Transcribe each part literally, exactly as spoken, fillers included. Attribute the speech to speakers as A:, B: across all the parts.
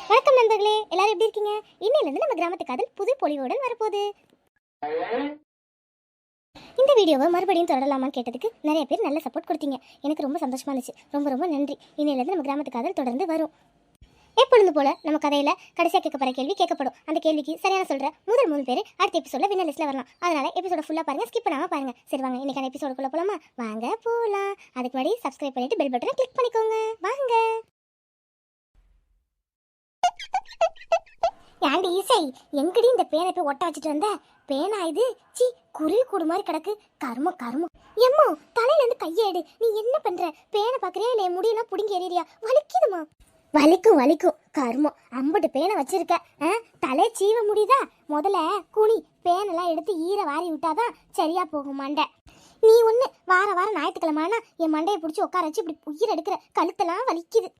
A: வணக்கம் நண்பர்களே, எல்லாரும் எப்படி இருக்கீங்க? இன்னையிலிருந்து நம்ம கிராமத்து காதல் புது பொலிவுடன் வரப்போகுது. இந்த வீடியோவை மறுபடியும் தொடரலாமான்னு கேட்டதுக்கு நிறைய பேர் நல்ல சப்போர்ட் கொடுத்தீங்க. எனக்கு ரொம்ப சந்தோஷமா இருந்துச்சு. ரொம்ப ரொம்ப நன்றி. இன்னையிலிருந்து நம்ம கிராமத்து காதல் தொடர்ந்து வரும். எப்பொழுது போல நம்ம கதையில கடைசியாக கேட்கப்படுற கேள்வி கேட்கப்படும். அந்த கேள்விக்கு சரியான சொல்ற முதல் மூணு பேர் அடுத்த எபிசோட்ல வின்னர் லிஸ்ட்ல வரலாம். அதனால எபிசோட ஃபுல்லா பாருங்க, ஸ்கிப் பண்ணாம பாருங்க. சரி வாங்க இன்னைக்கான எபிசோடுக்குள்ள போலாமா? வாங்க போலாம். அதுக்கு முன்னாடி சப்ஸ்கிரைப் பண்ணிட்டு பெல் பட்டனை கிளிக் பண்ணிக்கோங்க. வாங்க. ஏண்டி ஈசை, எங்கடி இந்த பேனை போய் ஒட்ட வச்சுட்டு வந்த? பேனா இது? சி, குருவி கூடு மாதிரி கிடக்கு. கரும கருமம். எம்மோ, தலையில இருந்து கையேடு. நீ என்ன பண்ற? பேனை பாக்குறியா இல்ல முடியெல்லாம் புடுங்கி எறியா? வலிக்குதுமா? வலிக்கும் வலிக்கும். கருமம், அம்பட்டு பேனை வச்சிருக்க. தலை சீவ முடியுதா? முதல்ல குனி, பேனெல்லாம் எடுத்து ஈர வாரி விட்டாதான் சரியா போகும் மண்டை. நீ ஒண்ணு வார வாரம் ஞாயிற்றுக்கிழமானா என் மண்டையை பிடிச்சி உட்கார வச்சு இப்படி உயிர் எடுக்கிற. கழுத்தெல்லாம் வலிக்குது.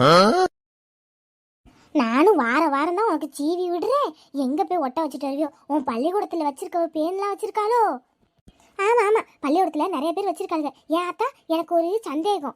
A: நானும் வார வாரம் தான் உனக்கு சீவி விடுறேன். எங்க போய் ஒட்ட வச்சுட்டு வருவியோ? உன் பள்ளிக்கூடத்துல வச்சிருக்க பேன்லாம் வச்சிருக்காளோ? ஆமா ஆமா, பள்ளிக்கூடத்துல நிறைய பேர் வச்சிருக்காங்க. ஏன் அத்தா, எனக்கு ஒரு சந்தேகம்.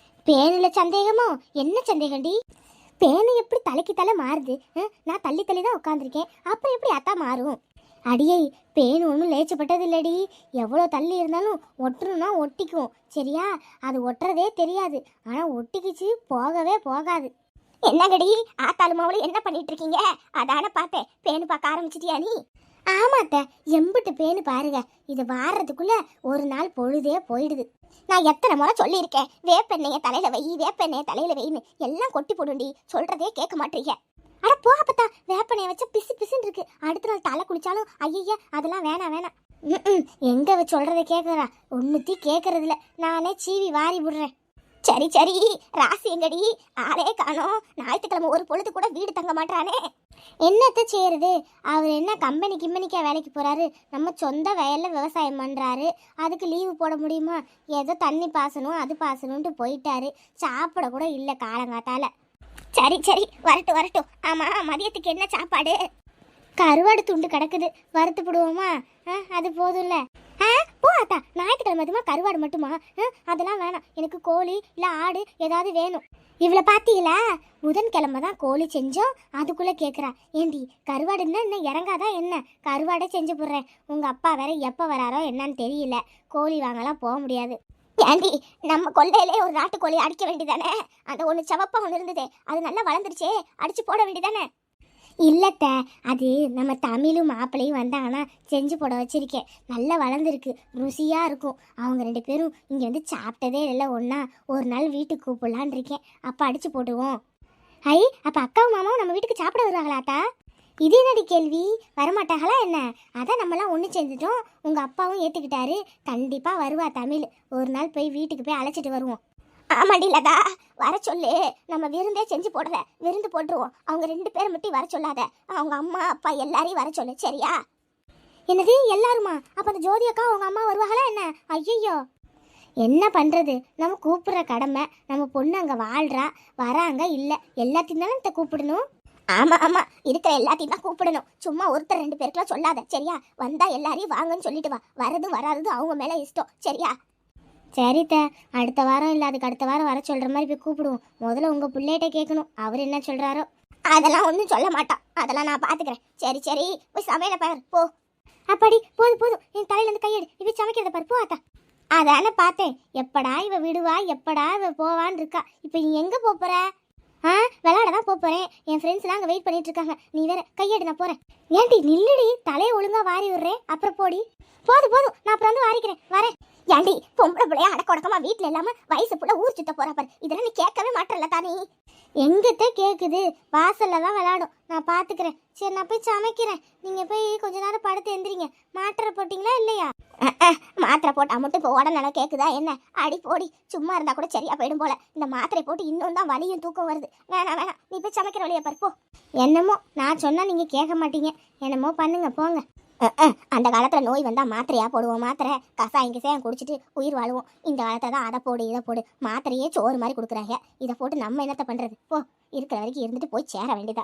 A: பேனுல சந்தேகமோ? என்ன சந்தேகம்டி? பேனு எப்படி தலைக்கு தலை மாறுது? நான் தள்ளி தள்ளி தான் உட்காந்துருக்கேன், அப்புறம் எப்படி அத்தா மாறும்? அடியை, பேனு ஒன்றும் லேச்சப்பட்டது இல்லடி. எவ்வளோ தள்ளி இருந்தாலும் ஒட்டுணும்னா ஒட்டிக்கும், சரியா? அது ஒட்டுறதே தெரியாது, ஆனால் ஒட்டிக்கிச்சு போகவே போகாது. என்னங்கடி ஆத்தாளுமாவளு, என்ன பண்ணிட்டு இருக்கீங்க? அதான பார்த்தேன், பேனு பார்க்க ஆரம்பிச்சிட்டியா நீ? ஆமாத்த, எம்பிட்டு பேனு பாருங்க. இது வாடுறதுக்குள்ள ஒரு நாள் பொழுதே போயிடுது. நான் எத்தனை முறை சொல்லியிருக்கேன், வேப்பெண்ணைய தலையில வை, வேப்பெண்ணைய தலையில வைன்னு. எல்லாம் கொட்டி போடுண்டி, சொல்றதே கேட்க மாட்டீங்க. அட போகப்பத்தா, வேப்பெண்ணைய வச்சா பிசு பிசுன்னு இருக்கு. அடுத்த நாள் தலை குளிச்சாலும் ஐயா அதெல்லாம் வேணாம் வேணாம். ம் எங்க சொல்றதை கேட்கறா? ஒன்னுத்தி கேட்கறதில்ல. நானே சீவி வாரி விடுறேன். சரி சரி, ராசி எங்கடி? ஆளே காணோம். ஞாயிற்றுக்கிழமை ஒரு பொழுது கூட வீடு தங்க மாட்டானே. என்னத்த செய்யறது? அவர் என்ன கம்பெனி கிம்பெனிக்கா வேலைக்கு போறாரு? நம்ம சொந்த வயல்ல விவசாயம் பண்றாரு. அதுக்கு லீவு போட முடியுமா? ஏதோ தண்ணி பாசணும் அது பாசணும்ட்டு போயிட்டாரு. சாப்பிட கூட இல்லை காலங்காத்தால. சரி சரி, வரட்டும் வரட்டும். ஆமா, மதியத்துக்கு என்ன சாப்பாடு? கருவாடு துண்டு கிடக்குது, வறுத்து போடுவோமா? அது போதும்ல. ஆ போ அத்தா, ஞாயிற்றுக்கிழமை அதுமா கருவாடு மட்டுமா? அதெல்லாம் வேணாம், எனக்கு கோழி இல்லை ஆடு ஏதாவது வேணும். இவ்வளோ பார்த்தீங்களா, புதன்கிழமை தான் கோழி செஞ்சோம், அதுக்குள்ளே கேட்குறா. ஏண்டி கருவாடுன்னா என்ன இறங்காதா என்ன? கருவாடை செஞ்சு போடுறேன். உங்கள் அப்பா வேற எப்போ வராரோ என்னன்னு தெரியல. கோழி வாங்கலாம் போக முடியாது. ஏண்டி, நம்ம கொள்ளையிலே ஒரு நாட்டுக்கோழி அடிக்க வேண்டியதானே? அந்த ஒன்று செவப்பா ஒன்று இருந்ததே, அது நல்லா வளர்ந்துருச்சே, அடிச்சு போட வேண்டியதானே? இல்லத்த, அது நம்ம தமிழும் மாப்பிள்ளையும் வந்தாங்கன்னா செஞ்சு போட வச்சிருக்கேன். நல்லா வளர்ந்துருக்கு, ருசியாக இருக்கும். அவங்க ரெண்டு பேரும் இங்கே வந்து சாப்பிட்டதே இல்லை ஒன்றா. ஒரு நாள் வீட்டுக்கு கூப்பிடலான் இருக்கேன், அப்போ அடித்து போட்டுருவோம். ஐ, அப்போ அக்காவும் மாமாவும் நம்ம வீட்டுக்கு சாப்பிட வருவாங்களாத்தா? இது என்னடி கேள்வி? வரமாட்டாங்களா என்ன? அதான் நம்மளாம் ஒன்று சேர்ந்துட்டோம், உங்கள் அப்பாவும் ஏற்றுக்கிட்டாரு. கண்டிப்பாக வருவா தமிழ். ஒரு நாள் போய் வீட்டுக்கு போய் அழைச்சிட்டு வருவோம். ஆமாடி லதா, வர சொல்லு. நம்ம விருந்தே செஞ்சு போடுற, விருந்து போட்டுருவோம். அவங்க ரெண்டு பேரை மட்டும் வர சொல்லாத, அவங்க அம்மா அப்பா எல்லாரையும் வர சொல்லு, சரியா? என்னது எல்லாருமா? அப்போ அந்த ஜோதி அக்கா அவங்க அம்மா வருவாங்களா என்ன? ஐயோ, என்ன பண்ணுறது? நம்ம கூப்பிட்ற கடமை. நம்ம பொண்ணு அங்கே வாழ்கிறா, வராங்க இல்லை, எல்லாத்தையும் தானே இதை கூப்பிடணும். ஆமாம் ஆமாம், இருக்கிற எல்லாத்தையும் தான் கூப்பிடணும். சும்மா ஒருத்தர் ரெண்டு பேருக்குலாம் சொல்லாத, சரியா? வந்தால் எல்லாரையும் வாங்கன்னு சொல்லிட்டு வா. வரது வராது அவங்க மேலே இஷ்டம், சரியா? சரித்த, அடுத்த வாரம் இல்லை அதுக்கு அடுத்த வாரம் வர சொல்கிற மாதிரி போய் கூப்பிடுவோம். முதல்ல உங்கள் பிள்ளைகிட்ட கேட்கணும், அவர் என்ன சொல்கிறாரோ. அதெல்லாம் ஒன்றும் சொல்ல மாட்டான், அதெல்லாம் நான் பார்த்துக்கிறேன். சரி சரி, போய் சமையலை பாரு போ. அப்படி போதும் போதும், என் தலையிலேருந்து கையெடு. இவ சமைக்கிறத பாரு, போ அத்தா. அதானே பார்த்தேன், எப்படா இவ விடுவா, எப்படா இவ போவான்னு இருக்கா. இப்போ நீ எங்கே போகிற? ஆ, விளையாட தான் போகிறேன். என் ஃப்ரெண்ட்ஸ்லாம் அங்கே வெயிட் பண்ணிட்டு இருக்காங்க. நீ வேற கையெடு, நான் போகிறேன். ஏன்டி நில்லுடி, தலையை ஒழுங்காக வாரி விடுறேன், அப்புறம் போடி. போதும் போதும், நான் அப்புறம் வந்து வாரிக்கிறேன், வரேன். ஏண்டி பொம்பளை பிள்ளைய அடக்கொடக்கமா வீட்டில் இல்லாம வயசு புள்ள ஊர் சுத்த போறா பாரு. இதெல்லாம் நீ கேட்கவே மாட்டல தானே? எங்கிட்ட கேட்குது, வாசல்ல தான் விளையாடும், நான் பார்த்துக்கிறேன். சரி, நான் போய் சமைக்கிறேன். நீங்க போய் கொஞ்ச நேரம் படுத்து எந்திரிங்க. மாத்திரை போட்டிங்களா இல்லையா? மாத்திரை போட்டா மட்டும் இப்போ உடனே கேட்குதா என்ன? அடி போடி, சும்மா இருந்தா கூட சரியா போயிடும் போல. இந்த மாத்திரை போட்டு இன்னும் தான் வலியும் தூக்கம் வருது. வேணாம் வேணாம், நீ போய் சமைக்கிற வழியை பருப்போ. என்னமோ நான் சொன்னா நீங்க கேட்க மாட்டீங்க, என்னமோ பண்ணுங்க போங்க. அந்த காலத்துல நோய் வந்தா மாத்திரையா போடுவோம், மாத்திரை கசாயம் கிசாயம் குடிச்சிட்டு உயிர் வாழுவோம். இந்த காலத்தை தான் அதை போடு இதை போடு, மாத்திரையே சோறு மாதிரி கொடுக்குறாங்க. இதை போட்டு நம்ம என்னத்த பண்றது? போ, இருக்கிற வரைக்கும் இருந்துட்டு போய் சேர வேண்டியதா.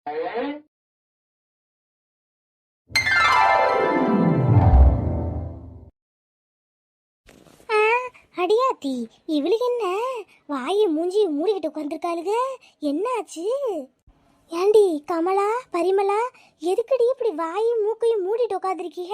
A: அடியாத்தி, இவளுக்கு என்ன வாயை மூஞ்சி மூடிக்கிட்டு உட்காந்துருக்காளுங்க? என்னாச்சு? ஏண்டி கமலா பரிமளா எதுக்கடி இப்படி வாயும் மூக்கையும் மூடிட்டு உட்காந்துருக்கீங்க?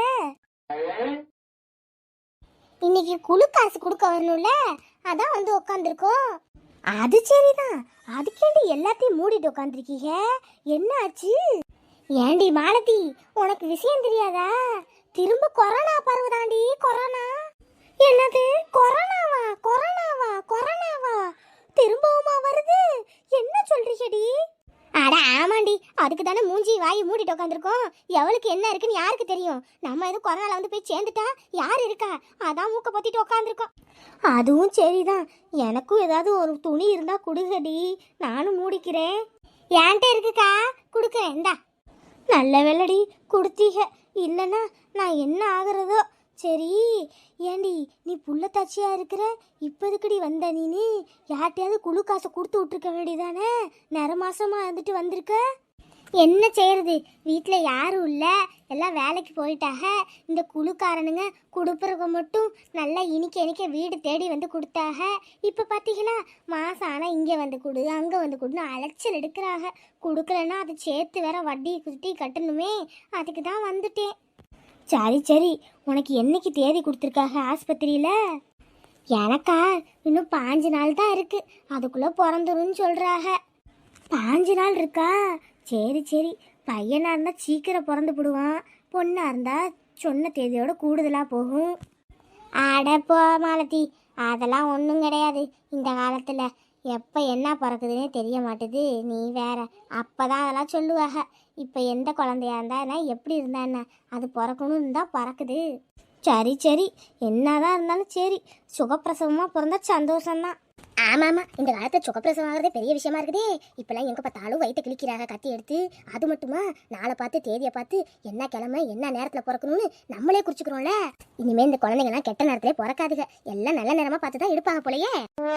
A: இன்னைக்கு குழு காசு கொடுக்க வரணும்ல, அதான் வந்து உட்காந்துருக்கோம். அது சரிதான், அதுக்கேண்டி எல்லாத்தையும் மூடிட்டு உட்காந்துருக்கீங்க? என்ன ஆச்சு? ஏண்டி மாலதி, உனக்கு விஷயம் தெரியாதா? திரும்ப கொரோனா பரவுதாண்டி. கொரோனா. என்னது கொரோனாவா? கொரோனாவா? கொரோனாவா? திரும்பவுமா வருது? என்ன சொல்றீங்கடி? அட ஆமாண்டி, அதுக்கு தானே மூஞ்சி வாய் மூடிட்டு உட்காந்துருக்கோம். எவளுக்கு என்ன இருக்குன்னு யாருக்கு தெரியும்? நம்ம எதுவும் கொரோனால வந்து போய் சேர்ந்துட்டா யார் இருக்கா? அதான் மூக்க பொத்திட்டு உட்காந்துருக்கோம். அதுவும் சரிதான். எனக்கும் ஏதாவது ஒரு துணி இருந்தா குடுங்கடி, நானும் மூடிக்கிறேன். ஏன்ட்ட இருக்குக்கா, குடுக்குறேன். இந்தா. நல்ல வேலைடி கொடுத்தீங்க, இல்லைன்னா நான் என்ன ஆகுறதோ. சரி ஏண்டி, நீ புள்ளத்தாச்சியா இருக்கிற, இப்போதுக்கடி வந்த நீனு? யார்ட்டையாவது குழு காசை கொடுத்து விட்டுருக்க வேண்டியதானே? நிற மாசமா இருந்துட்டு வந்திருக்க. என்ன செய்யறது, வீட்டில் யாரும் இல்லை, எல்லாம் வேலைக்கு போயிட்டாக. இந்த குழுக்காரனுங்க கொடுப்புறவங்க மட்டும் நல்லா இனிக்க இனிக்க வீடு தேடி வந்து கொடுத்தாக. இப்போ பார்த்தீங்களா, மாதம் ஆனால் இங்கே வந்து கொடு அங்கே வந்து கொடுன்னு அலைச்சல் எடுக்கிறாங்க. கொடுக்கலன்னா அதை சேர்த்து வேற வட்டி குத்தி கட்டணுமே, அதுக்கு தான் வந்துட்டேன். சரி சரி, உனக்கு என்னைக்கு தேதி கொடுத்துருக்காங்க ஆஸ்பத்திரியில்? எனக்கா இன்னும் பாஞ்சு நாள் தான் இருக்கு, அதுக்குள்ளே பிறந்துருன்னு சொல்கிறாங்க. பாஞ்சு நாள் இருக்கா? சரி சரி, பையனாக இருந்தால் சீக்கிரம் பிறந்து விடுவான், பொண்ணாக இருந்தால் சொன்ன தேதியோட கூடுதலாக போகும். அடப்போ மாலதி, அதெல்லாம் ஒன்றும் கிடையாது. இந்த காலத்தில் எப்போ என்ன பிறக்குதுன்னே தெரிய மாட்டுது. நீ வேற, அப்போ தான் அதெல்லாம் சொல்லுவாங்க. இப்போ எந்த குழந்தையா இருந்தா என்ன, எப்படி இருந்தா என்ன, அது பிறக்கணும் இருந்தால் பிறக்குது. சரி சரி, என்னதான் இருந்தாலும் சரி, சுகப்பிரசவமாக பிறந்தா சந்தோஷம்தான். ஆமாம் ஆமாம், இந்த காலத்தில் சுகப்பிரசவம் ஆகிறதே பெரிய விஷயமா இருக்குதே. இப்போல்லாம் எங்கே பார்த்தாலும் வயிற்று கிழிக்கிறாங்க கத்தி எடுத்து. அது மட்டுமா, நாளை பார்த்து தேதியை பார்த்து என்ன கிழமை என்ன நேரத்தில் பிறக்கணும்னு நம்மளே குறிச்சுக்கிறோம்ல. இனிமேல் இந்த குழந்தைங்கலாம் கெட்ட நேரத்திலே பிறக்காதுங்க, எல்லாம் நல்ல நேரமாக பார்த்து தான் எடுப்பாங்க போலயே.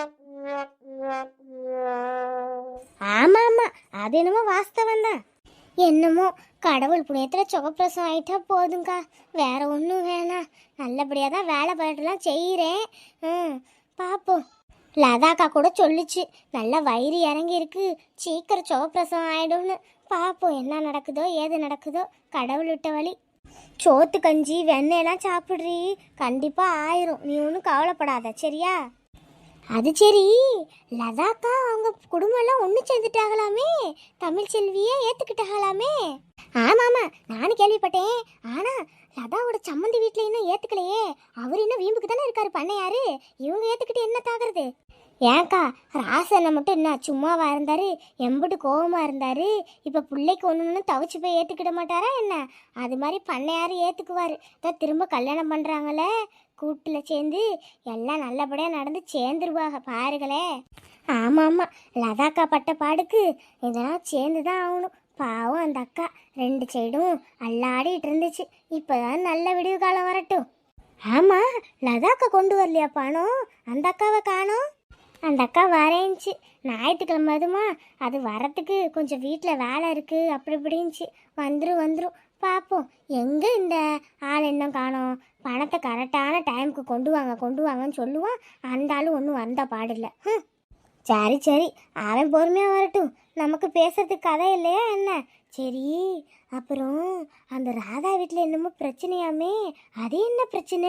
A: ஆமாம் ஆமாம், அது என்னமோ வாஸ்தவம் தான். என்னமோ கடவுள் புண்ணியத்தில் சுகப்பிரசவம் ஆகிட்டா போதுங்கக்கா, வேற ஒன்றும் வேணாம். நல்லபடியாக தான் வேலை பாட்டுலாம் செய்கிறேன். ம், பார்ப்போம். லதாக்கா கூட சொல்லிச்சு, நல்லா வயிறு இறங்கி இருக்கு, சீக்கிரம் சுகப்பிரசவம் ஆயிடும்னு. பார்ப்போம் என்ன நடக்குதோ ஏது நடக்குதோ, கடவுள் விட்ட வழி. சோத்து கஞ்சி வெண்ணெயெல்லாம் சாப்பிட்றீ, கண்டிப்பாக ஆயிரும், நீ ஒன்றும் கவலைப்படாத சரியா? அது சரி, லதாக்கா அவங்க குடும்பம்லாம் ஒன்று சேர்ந்துட்டாகலாமே, தமிழ் செல்வியே ஏற்றுக்கிட்டாகலாமே. ஆமாம் ஆமாம், நானும் கேள்விப்பட்டேன். ஆனால் லதாவோட சம்மந்தி வீட்டில் இன்னும் ஏற்றுக்கலையே. அவர் இன்னும் வீம்புக்கு தானே இருக்காரு பண்ணையாரு, இவங்க ஏற்றுக்கிட்டு என்ன தாகிறது? ஏன்க்கா, ராசனை மட்டும் என்ன சும்மாவா இருந்தாரு, எம்பிட்டு கோபமாக இருந்தாரு. இப்போ பிள்ளைக்கு ஒன்று ஒன்று தவிச்சு போய் ஏற்றுக்கிட மாட்டாரா என்ன? அது மாதிரி பண்ணையாரு ஏற்றுக்குவார். தான் திரும்ப கல்யாணம் பண்ணுறாங்களே, கூட்டில் சேர்ந்து எல்லாம் நல்லபடியாக நடந்து சேர்ந்துருவாங்க பாருங்களே. ஆமாம் ஆமாம், லதாக்கா பட்ட பாடுக்கு இதெல்லாம் சேர்ந்து தான் ஆகணும். பாவம் அந்த அக்கா ரெண்டு சைடும் அல்லாடிட்டு இருந்துச்சு. இப்போதான் நல்ல விடிவு காலம் வரட்டும். ஆமாம், லதாக்கா கொண்டு வரலையா பணம்? அந்த அக்காவை காணோம். அந்த அக்கா வரேன்ச்சு, ஞாயிற்றுக்கிழமை அதுமா, அது வரத்துக்கு கொஞ்சம் வீட்டில் வேலை இருக்குது அப்படி இப்படின்ச்சு. வந்துடும் வந்துடும், பார்ப்போம். எங்கே இந்த ஆள் இன்னும் காணோம்? பணத்தை கரெக்டான டைமுக்கு கொண்டு வாங்க கொண்டு வாங்கன்னு சொல்லுவான், அந்த ஆளும் ஒன்றும் வந்த பாடில்லை. ம், சரி சரி, அவன் பொறுமையாக வரட்டும், நமக்கு பேசுறதுக்கு கதை இல்லையா என்ன? சரி, அப்புறம் அந்த ராதா வீட்டில் என்னமோ பிரச்சனையாமே, அது என்ன பிரச்சனை?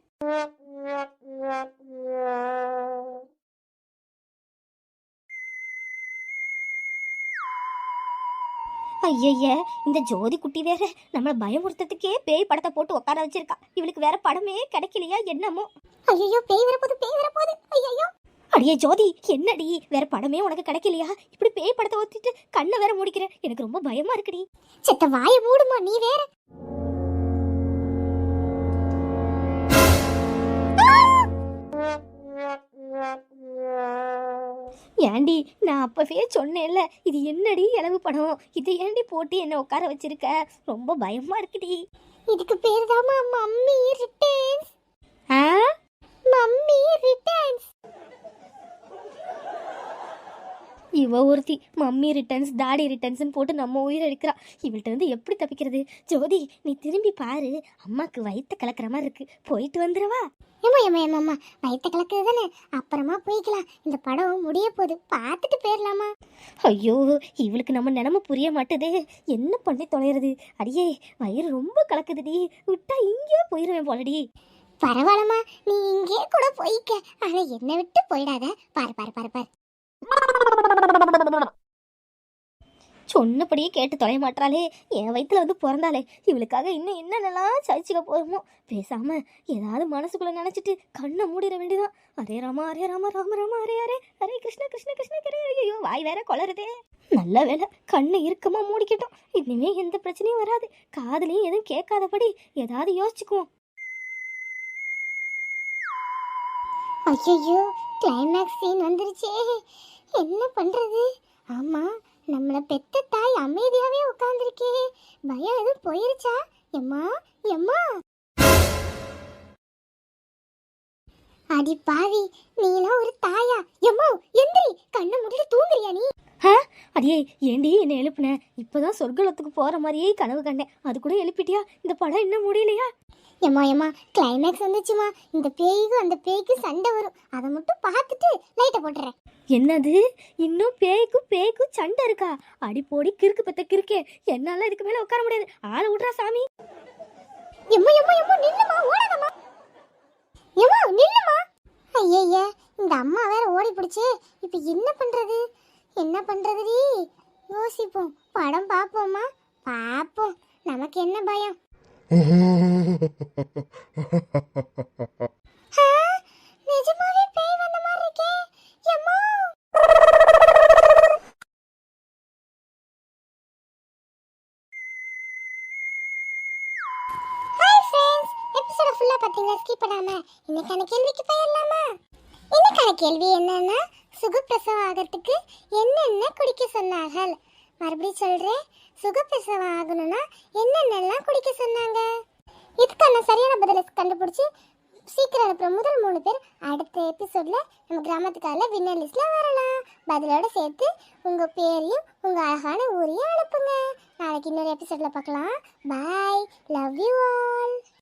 A: ஐயய்ய, இந்த ஜோதி குட்டி வேற நம்மளை பயமுறுத்ததுக்கே பேய் படத்தை போட்டு உட்கார வச்சிருக்கா. இவளுக்கு வேற படமே கிடைக்கலையா என்னமோ? ஐயோ, பேய் வரப்போது பேய் வரப்போது. ஐயோ அடியே ஜோதி, என்னடி வேற படமே உனக்கு கிடைக்கலையா? இப்படி பேய் படத்தை ஒத்திட்டு கண்ணை வேற முடிக்கிற, எனக்கு ரொம்ப பயமா இருக்குடி. செத்த வாயை மூடுமா நீ வேற. ஏண்டி, நான் அப்பவே சொன்னேன்ல, இது என்னடி இளவு படம், இதை ஏண்டி போட்டு என்ன உட்கார வச்சிருக்க? ரொம்ப பயமா இருக்குடி. இதுக்கு பேர் தான் மம்மி ரிட்டர்ன்ஸ். ஆ, மம்மி ரிட்டர்ன்ஸ்.
B: இவ ஒருத்தி மம்மி ரிட்டர்ன்ஸ் டாடி ரிட்டர்ன்ஸ்னு போட்டு நம்ம உயிரை எடுக்கிறா. இவள்கிட்ட இருந்து எப்படி தப்பிக்கிறது? ஜோதி, நீ திரும்பி பாரு, அம்மாக்கு வயிற்ற கலக்கிற மாதிரி இருக்கு, போயிட்டு வந்துடவா?
A: ஏமா ஏமா ஏமாம்மா, வயிற்ற கலக்குது தானே, அப்புறமா போய்க்கலாம். இந்த படம் முடிய போகுது, பார்த்துட்டு போயிடலாமா?
B: ஐயோ, இவளுக்கு நம்ம நிலமை புரிய மாட்டுதே, என்ன பண்ணி தொலைகிறது? அடியே, வயிறு ரொம்ப கலக்குதுடி, விட்டா இங்கேயே போயிடுவேன் போலடி.
A: பரவாயில்லம்மா, நீ இங்கே கூட போய்க்க, ஆனால் என்னை விட்டு போயிடாத. பாரு பாரு பாரு பாரு.
B: சொன்னபடியே கேட்டு தொலைய மாட்டாளே, என் வயிற்றுல வந்து பிறந்தாலே, இவளுக்காக இன்னும் என்னென்னலாம் சகிச்சுக்க போகிறோமோ. பேசாம ஏதாவது மனசுக்குள்ள நினச்சிட்டு கண்ணை மூடிட வேண்டியதான். அரே ராமா அரே ராமா ராம ராமா அரே அரே அரே கிருஷ்ண கிருஷ்ண கிருஷ்ண கரே. ஐயோ, வாய் வேற கொளருதே. நல்ல வேலை, கண்ணை இறுக்கமா மூடிக்கிட்டோம். இனிமே எந்த பிரச்சனையும் வராது. காதுலையும் எதுவும் கேட்காதபடி ஏதாவது யோசிச்சுக்குவோம்.
A: ஐயோ, கிளைமேக்ஸ் சீன் வந்துருச்சே, என்ன பண்றது? ஆமா, நம்மள பெத்த தாய் அமைதியாவே உட்கார்ந்துருக்கே, பயம் எதுவும் போயிருச்சா? எம்மா எம்மா, அடி பாவி, நீலாம் ஒரு தாயா? எம்மா எந்திரி, கண்ணை மூடிட்டு தூங்குறியா நீ?
B: அடியே, ஏண்டி என்ன எழுப்புன? இப்பதான் சொர்க்கலத்துக்கு போற மாதிரியே கனவு கண்டேன், அது கூட எழுப்பிட்டியா? இந்த படம் இன்னும் முடியலையா?
A: எம்மா எம்மா, கிளைமேக்ஸ் வந்துச்சுமா. இந்த பேய்க்கும் அந்த பேய்க்கு சண்டை வரும், அதை மட்டும் பார்த்துட்டு லைட்டை போட்டுறேன்.
B: என்னது, இன்னும் பேய்க்கும் பேய்க்கும் சண்டை இருக்கா? அடி போடி கிறுக்கு பத்த கிறுக்கே, என்னால இதுக்கு மேல உட்கார முடியாது. ஆளை விட்றா சாமி.
A: எம்மா எம்மா எம்மா, நில்லுமா, ஓடாதம்மா. எம்மா நில்லுமா. ஐயய்யா, இந்த அம்மா வேற ஓடி பிடிச்சு, இப்போ என்ன பண்றது? என்ன பண்றதுடி? யோசிப்போம், படம் பார்ப்போமா? பார்ப்போம், நமக்கு என்ன பயம்? நிஜமாவே பேய் வந்த மாதிரி இருக்கே. எம்மா, ஹாய் ஃப்ரெண்ட்ஸ், எபிசோட ஃபுல்லா பாத்தீங்களா? ஸ்கிப் பண்ணாம இன்னைக்கான கேள்விக்கு போயிடலாமா? இன்னைக்கான கேள்வி என்னன்னா, சுகப்பிரசவம் ஆகிறதுக்கு என்னென்ன குடிக்க சொன்னார்கள்? மறுபடியும் சொல்றேன், சுகப்பிரசவம் ஆகணும்னா என்னென்னலாம் குடிக்க சொன்னாங்க? இதுக்கான சரியான பதிலை கண்டுபிடிச்சி சீக்கிரம் அனுப்புற முதல் மூணு பேர் அடுத்த எபிசோட்ல நம்ம கிராமத்துக்கால வின்னர் லிஸ்ட்ல வரலாம். பதிலோட சேர்த்து உங்க பேரையும் உங்க அழகான ஊரையும் அனுப்புங்க. நாளைக்கு இன்னொரு எபிசோட்ல பார்க்கலாம். Bye, love you all.